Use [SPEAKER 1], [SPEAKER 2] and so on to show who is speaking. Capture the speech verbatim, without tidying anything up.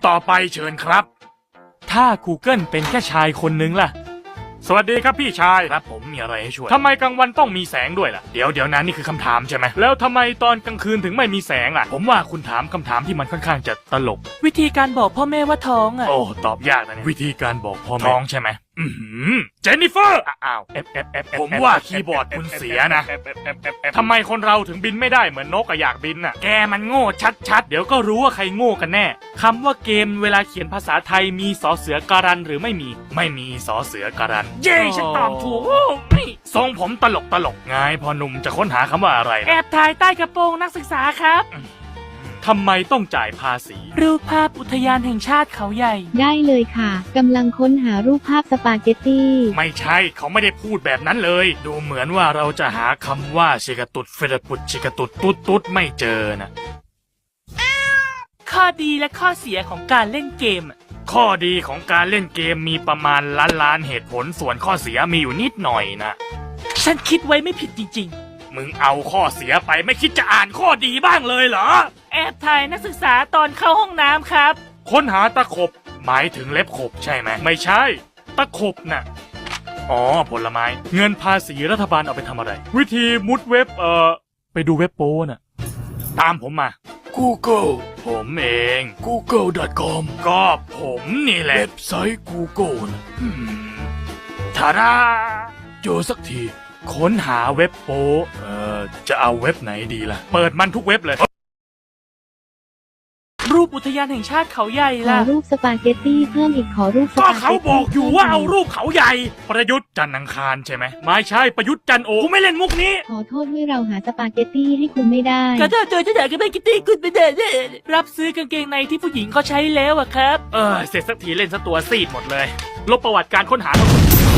[SPEAKER 1] ต่อไปเชิญครับถ้า Google เป็นแค่ชายคนนึงล่ะสวัสดีครับพี่ชายครับผมมีอะไรให้ช่วยทำไมกลางวันต้องมีแสงด้วยล่ะเดี๋ยวเดี๋ยวนั้นนี่คือคำถามใช่ไหมแล้วทำไมตอนกลางคืนถึงไม่มีแสงล่ะผมว่าคุณถามคำถามที่มันค่อนข้างจะตลก
[SPEAKER 2] วิธีการบอกพ่อแม่ว่าท้องอ่ะ
[SPEAKER 1] โอ้ตอบยากนะเนี่ยวิธีการบอกพ่อแม่ท้องใช่ไหมอืมเจนนิเฟอร์อ้าวผมว่าคีย์บอร์ดคุณเสียนะทำไมคนเราถึงบินไม่ได้เหมือนนกอะอยากบินน่ะแกมันโง่ชัดๆเดี๋ยวก็รู้ว่าใครโง่กันแน่คำว่าเกมเวลาเขียนภาษาไทยมีสอเสือการันหรือไม่มีไม่มีสอเสือการันเย้ฉันตอบถูกทรงผมตลกตลกไงพอหนุ่มจะค้นหาคำว่าอะไร
[SPEAKER 2] แอบถ่ายใต้กระโปรงนักศึกษาครับ
[SPEAKER 1] ทำไมต้องจ่ายภาษี
[SPEAKER 2] รูปภาพอุทยานแห่งชาติเขาใหญ่
[SPEAKER 3] ได้เลยค่ะกำลังค้นหารูปภาพสปาเกตตี้
[SPEAKER 1] ไม่ใช่เขาไม่ได้พูดแบบนั้นเลยดูเหมือนว่าเราจะหาคำว่าชิกาตุดเฟรปุดชิกาตุดตุ๊ดตุ๊ดไม่เจอนะ
[SPEAKER 2] ข้อดีและข้อเสียของการเล่นเกม
[SPEAKER 1] ข้อดีของการเล่นเกมมีประมาณล้านล้านเหตุผลส่วนข้อเสียมีอยู่นิดหน่อยนะ
[SPEAKER 2] ฉันคิดไว้ไม่ผิดจริง
[SPEAKER 1] ๆมึงเอาข้อเสียไปไม่คิดจะอ่านข้อดีบ้างเลยเหรอ
[SPEAKER 2] แอบถ่ายนักศึกษาตอนเข้าห้องน้ำครับ
[SPEAKER 1] ค้นหาตะขบหมายถึงเล็บขบใช่ไหมไม่ใช่ตะขบน่ะอ๋อผลไม้เงินภาษีรัฐบาลเอาไปทำอะไรวิธีมุดเว็บเอ่อไปดูเว็บโป้น่ะตามผมมา Google ผมเอง กูเกิล ดอท คอม ก็ผมนี่แหละเว็บไซต์ Google นะทาราเจอสักทีค้นหาเว็บโป้เอ่อจะเอาเว็บไหนดีล่ะเปิดมันทุกเว็บเลย
[SPEAKER 2] รูปอุทยานแห่งชาติเขาใหญ่
[SPEAKER 3] ล่ะขอรูปสปาเกตตี้เพิ่มอีกขอรูปสปาเกตตี้
[SPEAKER 1] ก็เขาบอกอยู่ว่าเอารูปเขาใหญ่ประยุทธ์จันทร์อังคารใช่ไหมไม่ใช่ประยุทธ์จันทร์โอกูไม่เล่นมุกนี้
[SPEAKER 3] ขอโทษด้วยเราหาสปาเกตตี้ให้คุณไม่ได้
[SPEAKER 2] ก็ถ้าเจอจะอยากจะได้กิตตี้คุณไม่ได้รับซื้อกางเกงในที่ผู้หญิงเขาใช้แล้วอะครับ
[SPEAKER 1] เออเสร็จสักทีเล่นซะตัวซีดหมดเลยลบประวัติการค้นหาทั้งหมด